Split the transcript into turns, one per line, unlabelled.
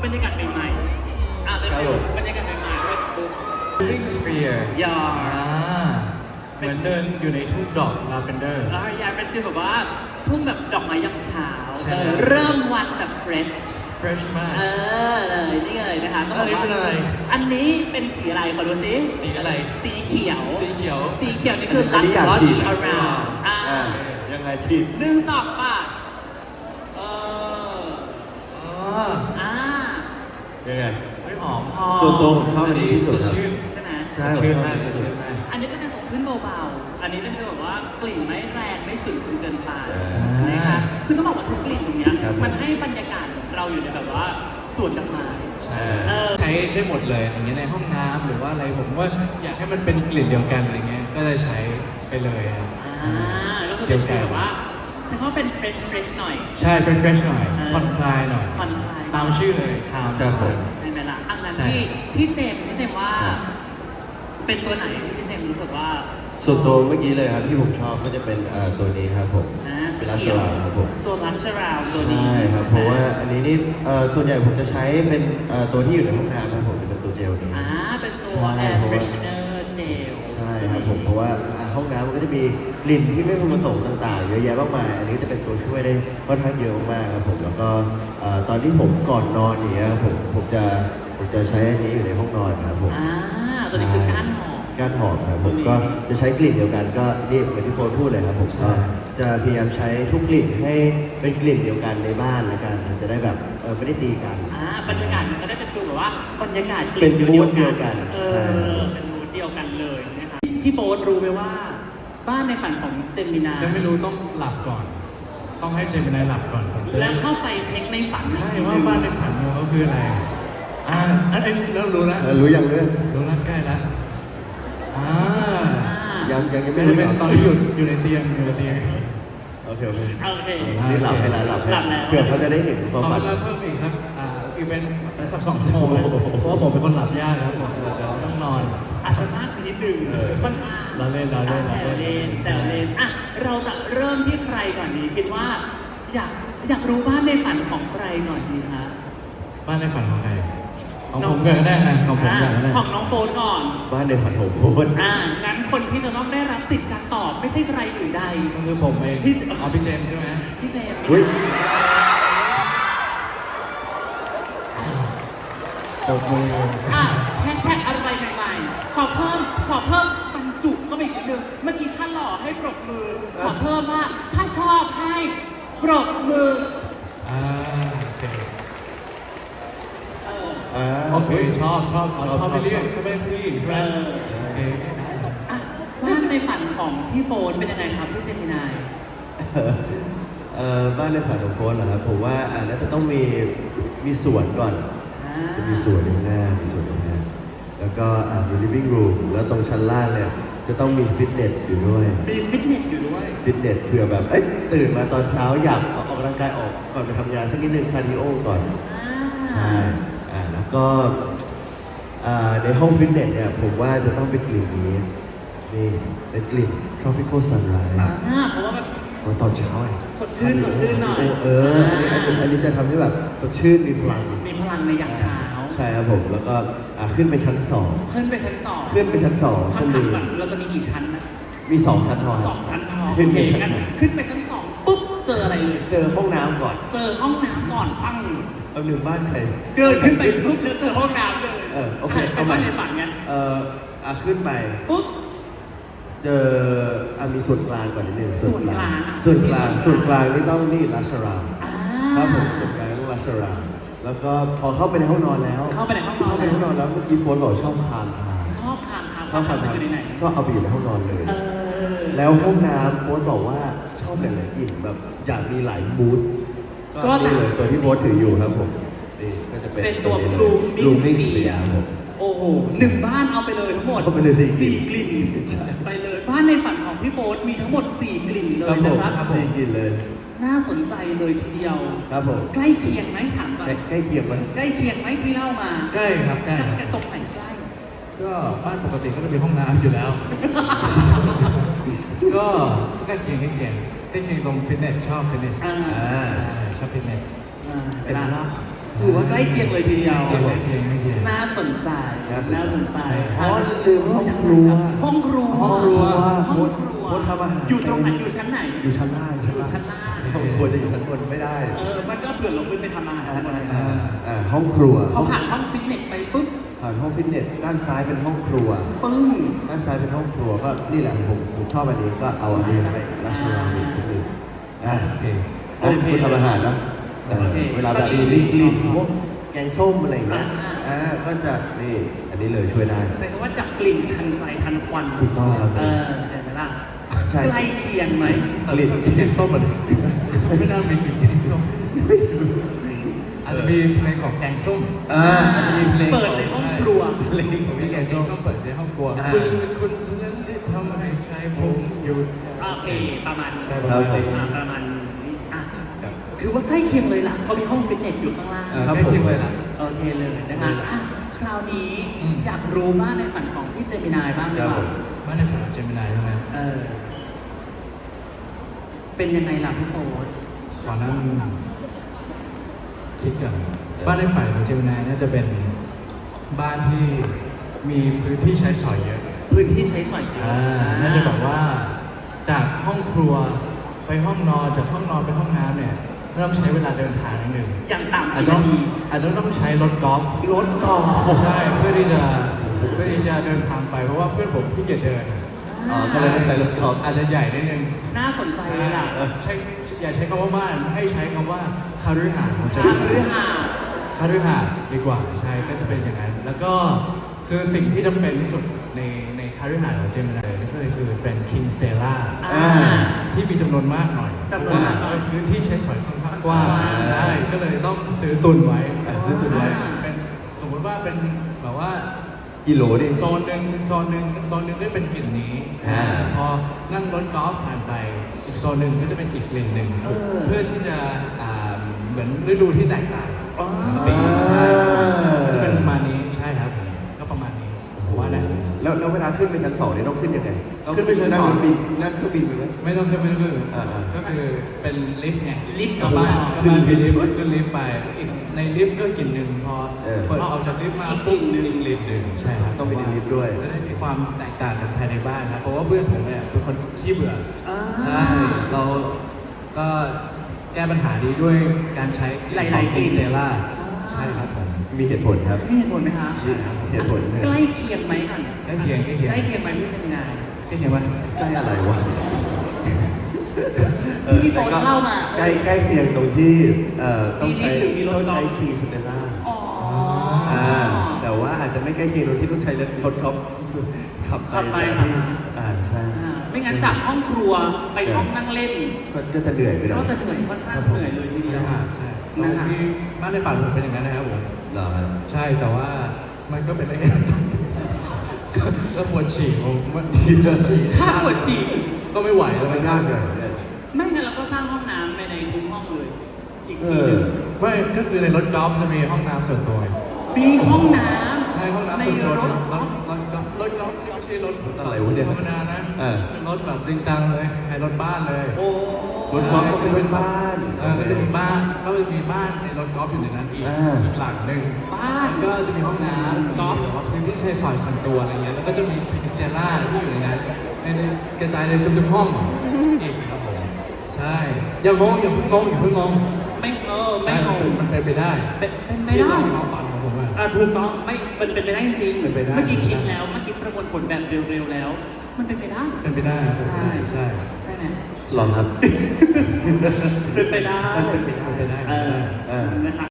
บรรยากาศใหม่ๆเป็นบรรยากาศใหม่ๆด้วย
Living Sphere
อย่า
เหมือนเดินอยู่ในทุ่งดอกลาเวนเดอร์
อยากเป็นฟีลแบบว่าทุ่งแบบดอกไม้ยามเช้า
ใช่
เริ่มวันแบบเฟรช
fresh มาก
เลยนี่เลยนะคะก็
อันนี้เป็นอะไร
อันนี้เป็นสีอะไรขอดูซิ
สีอะไร
สีเขียว
สีเขียว
สีเขียวนี่คือ
อันนี้อยาก
Touch
ฉีด
around
ยังไงทีม
1 2 ป่ะ
อ๋อ
อ่า
ยังไง
ไม่หอม
ส่วนตัวผมชอบอันนี้ที่สุด
สดชื่น
ใช่ไหม
ใช่
สดชื่นมากสดชื่นมาก
อันนี้จะเป็นสดชื่นเบาๆ อันนี้เป็นแบบว่ากลิ่นไม่แรงไม่ฉุนเกินไปนะคะคือต้องบอกว่าทุกกลิ่นตรงเนี้ยมันให้บรรยากาศเราอยู่ในแบบว่าสวนดอกไม้
ใช้ได้หมดเลยอย่างเงี้ยในห้องน้ำหรือว่าอะไรผมว่าอยากให้มันเป็นกลิ่นเดียวกันอะไรเงี้ยก็จะใช้ไปเลยครับ
แล้วก็เป็นฟีลแบบว่าฉันว่าเป็นเฟรชหน่อย
ใช่เป็น fresh หน่อยผ่อนคลายหน่อย
ผ่อนคลาย
ตามชื่อเลยคาม
ครับผม
ใช่ไหมล่ะอันนั้น
ใช่
พี่เจมส์ว่า เป็นตัวไหนที่พี่เจมส์รู้สึกว่า
ส่วนตัวเมื่อกี้เลยครับที่ผมชอบก็จะเป็นตัวนี้ครับผม
สี
เป็นลัช
เขียว
ลาครับผม
ตัวลัชราวตัวนี้
ใช่ครับเพราะว่าอันนี้นี่ส่วนใหญ่ผมจะใช้เป็นตัวที่อยู่ในห้องน้ำครับผมจะเป็นตัวเจลนี้
เป็นตัว
ใช่
air
เพราะว่า
freshener gel
ใช่ครับผมเพราะว่าห้องน้ำมันก็จะมีกลิ่นที่ไม่พึงประสงค์ต่างๆเยอะแยะมากมายอันนี้จะเป็นตัวช่วยได้ค่อนข้างเยอะมากๆครับผมแล้วก็ตอนที่ผมก่อนนอนอย่างเงี้ยผมจะใช้อันนี้อยู่ในห้องนอนครับผม
ตัวนี้คือก้านหอม
ก้านหอมครับผมก็จะใช้กลิ่นเดียวกันก็นี่เหมือนที่โฟนพูดเลยครับผมก็จะพยายามใช้ทุกกลิ่นให้เป็นกลิ่นเดียวกันในบ้านละกันจะได้แบบไม่ได้ตีกัน
บรรยากาศมันก็ได้เป็นฟีลแบบว่าบรรยากาศ
เป็นมูดเดียวกัน
เป็นมูดเดียวกันเลยนะคะพี่โบ๊ทรู้ไหมว่า บ้านในฝันของเจมินา
ยังไม่รู้ต้องหลับก่อน ต้องให้เจมินายหลับก่อนผมจะ
แล้
ได้
วเข้าไปเช็คในฝัน
ใช่ว่าบ้านในฝันของเขาคืออะไรอันนี้เริ่มรู้แล้ว
รู้ยังเรื่อง
รู้แล้วใกล้แล้ว
ยังไม่
เป็น
รู้
เป็น
หร
ตอนที่อยู่ในเตียงอยู่ในเตียง
โอเค
โอเค
นี่หลับให้แล้วหลับให้เผื่อเขาจะได้เห็นความ
เขา
ฝัน
เริ่มเพิ่มอีกสักอีกเป็นสัก2 ชั่วโมงเลยเพราะว่าผมเป็นคนหลับยากครับผมต้องนอน
อาจจะมากไปนิดนึงค่อนข้าง
เราเล่น
แซวเล่นเราจะเริ่มที่ใครก่อนดีคิดว่าอยากรู้บ้านในฝันของใครหน่อยดีคะ
บ้านในฝันของใครของผมก่อนก็ได้นะของผมก่อนก็ได้
ของน้องโฟนก่อน
บ้านในฝันของโฟน
งั้นคนที่จะต้องได้รับสิทธิ์การตอบไม่ใช่ใครอื่นใด
ก็คือผมเองพี่เจมส์ใช่ไหม
พี่เจมส์
อุ้ย
ตบมือ
แฮชแท็กอะไรใหม่ๆขอเพิ่มบรรจุเข้าไปอีกนิดนึงเมื่อกี้ท่านหล่อให้ปรบมือ ขอเพิ่มว่าถ้าชอบให้ปรบมือ
โอเค
โอเค
ชอบไปเรื่อยชอบไปเรื่อยใช่ไหมโอเค
บ้านในฝันของพี่โฟนเป็นยังไงครับพี่เจมินาย
บ้านในฝันของโฟนเหรอครับผมว่าน่าจะต้องมีสวนก่อนจะมีสวนข้างหน้าแล้วก็มี living room แล้วตรงชั้นล่างเนี่ยจะต้องมีฟิตเนสอยู่ด้วย
มีฟิตเนสอยู่ด้วย
ฟิตเนสเผื่อแบบตื่นมาตอนเช้าอยากออกกำลังกายออกก่อนไปทำงานสักนิดนึงคาร์ดิโอก่อนใช่แล้วก็ในห้องฟิตเนสเนี่ยผมว่าจะต้องเป็นกลิ่นนี้นี่เป็นกลิ่น tropical sunrise
เพราะว่าแบบ
ตอนเช้าไง
สดชื่นหน่อย
อันนี้จะทำให้แบบสดชื่นมีพลัง
มีพลังในยามเช้า
ใช่ครับผมแล้วก็ขึ้นไปชั้นสอง
ขึ้นไปชั้นสอง
ขึ้นไปชั้นสอง
คำถามแบบเราจะมีกี่ชั้นนะ
มี2 ชั้นพอ
สองชั้นพอ
ขึ้นไป
งั้นขึ้นไปชั้นสองปุ๊บเจออะไรเลย
เจอห้องน้ำก่อน
เจอห้องน้ำก่อนปั้ง
เอาหนึ่งบ้านใคร
เดินขึ้นไปปุ๊บแล้วเจอห้องน้ำเลย
โอเค
เอามาในฝันไง
ขึ้นไป
ปุ๊บ
เจอมีส่วนกลางก่อนนิดนึง
ส่วนกลาง
ส่วนกลางนี่ต้องนี่ราชราม
อ่า
ครับผมส่วนกลางต้องราชรามแล้วก็พอเข้าไปในห้องนอนแล้ว
เข้าไปในห้องนอน
แล้วเมื่อกี้โฟนบอกชอบคานทาง
ชอบคานทาง
ชอบคานทาง
อยู่ในไหน
ก็เอาไปอยู่ในห้องนอนเลย แล้วห้องน้ำโฟนบอกว่าชอบหลายๆกลิ่นแบบอยากมีหลายมูดก็นี่เลยตัวที่โฟนถืออยู่ครับผมนี่ก็จะเป็น
ตัว
Blooming Sphere ครับผม
โอ้โหหนึ่งบ้านเอาไปเลยทั้งหมด
เอาไปเลยสี่
กลิ่นไปเลยบ้านในฝันของพี่โบ๊ทมีทั้งหมด4 กลิ่นเล
ครั
ย
บผม
นะครับ
สี่กลิ่นเลย
น่าสนใจเลยทีเดียว
ครับผม
ใกล้เคียงไหมถามก่อน
ใกล้เคียงไหม
ใกล้เคียงไหมที่เล่ามา
ใกล้ครับใกล้
จะตรงไหนใกล้
ก็บ้านปกติก็จะมีห้องน้ำอยู่แล้ว ก็ใกล้เคียงตรงฟิตเนสชอบฟิตเนสชอบฟิตเนส
เวลาถือว่าใกล้เคียงเลยทีเดียว
ไม่เพียงไม่เพียง
น่าสนใจ น่าสนใจ
อ๋อลืมห้องครัว
ห้องครัว
ห้องครัว
ห้องครัว
โค้ดทำอาหาร
อยู่ตรงไหนอยู่ชั้นไหน
อยู่ชั้นล่าง
อยู่ชั้นล่าง
ห้องครัวจะอยู่ชั้นบนไม่ได้
มันก็เผื่อลงขึ้นไปทำอาหารข้างบน
ห้องครัว
เขาผ่านห้องฟิตเนสไปปุ๊บ
ผ่านห้องฟิตเนสด้านซ้ายเป็นห้องครัว
ปึ้ง
ด้านซ้ายเป็นห้องครัวก็นี่แหละผมชอบอันนี้ก็เอาอันนี้ไปรัชนาวีสักหนึ่งโอเคคุณทำอาหารนะเวลาแบบรีบพวกแกงส้มอะไรอย่างเงี้ยก็จะนี่อันนี้เลยช่วยได้
แสดงว่าจับกลิ่นทันใจทันควัน
ถูกต้องครับ
เห็นไหมล่ะ
ใช่
ใกล้เคียงไหม
กลิ่น
แกงส้มเหมือนไม่น่ามีกลิ่นแกงส้มอาจจะมีเพลงของแกงส้ม
มีเพลง
เปิดในห้องครัว
เพลงของพี่แก
แก
ง
ง
ส้ม
ส้มเปิดในห้องครัว
อ่า
คุณนั้นได้ทำให้ใครผมหยุด
โอเคประมาณนี้
ใช่ประมาณนี้
ประมาณนี้คือว่าใกล้เคียงเลยล่ะเขามีห้องฟิตเนสอยู่ข้างล่าง
ใกล้เคียงเลยล่ะ
โอเคเลยนะคะคราวนี้อยากรู้บ้างในฝันของพี่เจมินายบ้างดีกว่า
บ้านในฝันของเจมินายใช่ไหม
เป็นยังไงล่ะพี่โฟร์
ขอนั่งคิดก่อนบ้านในฝันของเจมินายน่าจะเป็นบ้านที่มีพื้นที่ใช้สอยเยอะ
พื้นที่ใช้สอยเยอะ
น่าจะแบบว่าจากห้องครัวไปห้องนอนจากห้องนอนไปห้องน้ำเนี่ยเริ่มใช้เวลาเดินทางนิดนึง
อย่างต่ำ
อาจ
กี่
จะ
นาที
ต้องใช้รถกอล์ฟ
รถก่อน
ใช่เพื่อที่จะเดินทางไปเพราะว่าเพื่อนผมขี้เกียจเดิน
ก็เลยต้องใช้รถกอล์ฟ
อาจจะใหญ่นิดนึง
น่าสนใจเลยล่ะ
ใช่อย่าใช้คำว่าบ้านให้ใช้คำว่าคาฤหาสน์ของเจ
คา
มินาย
ฤหาสน์
คาฤหาสน์ดีกว่าใช่ก็จะเป็นอย่างนั้นแล้วก็คือสิ่งที่จำเป็นที่สุดในคาฤหาสน์ของเจมินายก็คือเป็นคิงเซล่า ที่มีจำนวนมากหน่อย
จำนวนมากหน่อย
พื้นที่ใช้สอยค่อนข้างกว้างใช่ก็เลยต้องซื้อตุนไว้
ซื้อตุนไว้
เป็นสมมติว่าเป็นแบบว่า
กิโลดิ
โซนหนึ่งก็เป็นกลิ่นนี้ พอนั่งรถกอล์ฟผ่านไปอีกโซนหนึ่งก็จะเป็นอีกกลิ่นหนึ่งเพื่อที่จะเหมือนฤดูที่แตกต่างปีใช่ก็เป็นประมาณนี้ใช่ครับก็ประมาณนี้ผมว่านะ
แล้วเวลาขึ้นไปชั้น2เนี่ยต้องขึ้นยังไง
ขึ้นไปชั้นสอง
นั่งเครื่องบินไปไหม
ไม่ต้องขึ้น
อ่า
ก็คือเป็นลิฟต์ไง
ลิฟต์
กลับบ้าน
ขึ้นลิฟต์
ขึ้นลิฟต์ไปอีกในลิฟต์ก็กลิ่นหนึ่งพอเปิดออกจากลิฟต์มาปุ๊บอีกกลิ่นหนึ่งใช่ครับ
ต้องไปในลิฟต์ด้วย
จะได้มีความแตกต่างกันภายในบ้านครับเพราะว่าเพื่อนผมเนี่ยเป็นคนขี้เบื่อใช่เราก็แก้ปัญหานี้ด้วยการใช้
หลายๆกลิ่น
เซล่าใช่ครับผม
มีเหตุผลครับ
มีเหตุผลไหมคะ
เหตุผลเนี่ย
ใกล้เคียงไหมกัน
ใกล้เคียง
ใกล้เคียงไหมพี่เจมินาย
ใกล้เคียงว่า
ใกล้อะไรวะ
ที่โฟนเล่ามา
ใกล้เคียงตรงที่ต้องใช้
มีลิฟต์หรือมีรถ
ต้อง
กอล์
ใช้
ฟ
คีย์สเตลล่า
อ๋อ
แต่ว่าอาจจะไม่ใกล้เคียงตรงที่ต้องใช้รถกอล์ฟขับ
ขับไป
ไป
มา
ใช่
ไม่งั้นจากห้องครัวไปห้องนั่งเล่น
ก็จะเหนื่อยไปหน่อ
ก็
ย
จะเหนื่อยค่อนข้างเหนื่อยเลยทีเดียว
ใช่ที่บ้านในฝันผมเป็นอย่างนั้นนะครับผม
เหรอครับ
ใช่แต่ว่ามันก็เป็นอะไรก็ปวดฉี่ผมมันจะฉี่
ถ้าปวดฉี่
ก็ไม่ไหวแล้ว
มันยากหน่อยเนี่ย
ไม่งั้นเราก็สร้างห้องน้ำในทุกห้องเลย อีก
เอ
ทีห
อ
นึง
ไม่ก็คือในรถกอล์ฟจะมีห้องน้ำส่วนตัว
มีห้องน้
ใช่ห้อง
ำ
น้ำ
ใน
ส่วนตัว
รถ
รถกอล์ฟไม่ใช่รถ
อะไรวะเนี่ย
ธรรมดานะรถแบบจริงจังเลยใช้รถบ้านเลย
โอ้
รถกอล์ฟก็เป็นบ้าน
ก็จะมีบ้านในรถกอล์ฟอยู่ในนั้นอีกหลังหนึ่ง
บ้าน
ก็จะมีห้องน้ำกอล์ฟหรือว่าพื้นที่ใช้สอยส่วนตัวอะไรเงี้ยแล้วก็จะมีคริสเตียล่าที่อยู่ในนั้นในกระจายในทุกๆห้องอีกครับผมใช่อย่างเพิ่งงง
ไม่ไม่
ใช่
งง
มันเป็นไปได้
เป็นไม่ได้
ที่เราความฝันของผมอะ
ถูกต้องไม่มันเป็นไปได้จริงๆ
เป็นไปได้
เมื่อกี้คิดแล้วเมื่อกี้ประมวลผลแบบเร็วๆแล้ว มันเป็นไปได้
เป็นไปได้
ใช่
ใช่
ใช่ไหม
หรอครับ
เป็นไปได้
เป็นไปได้
นะครับ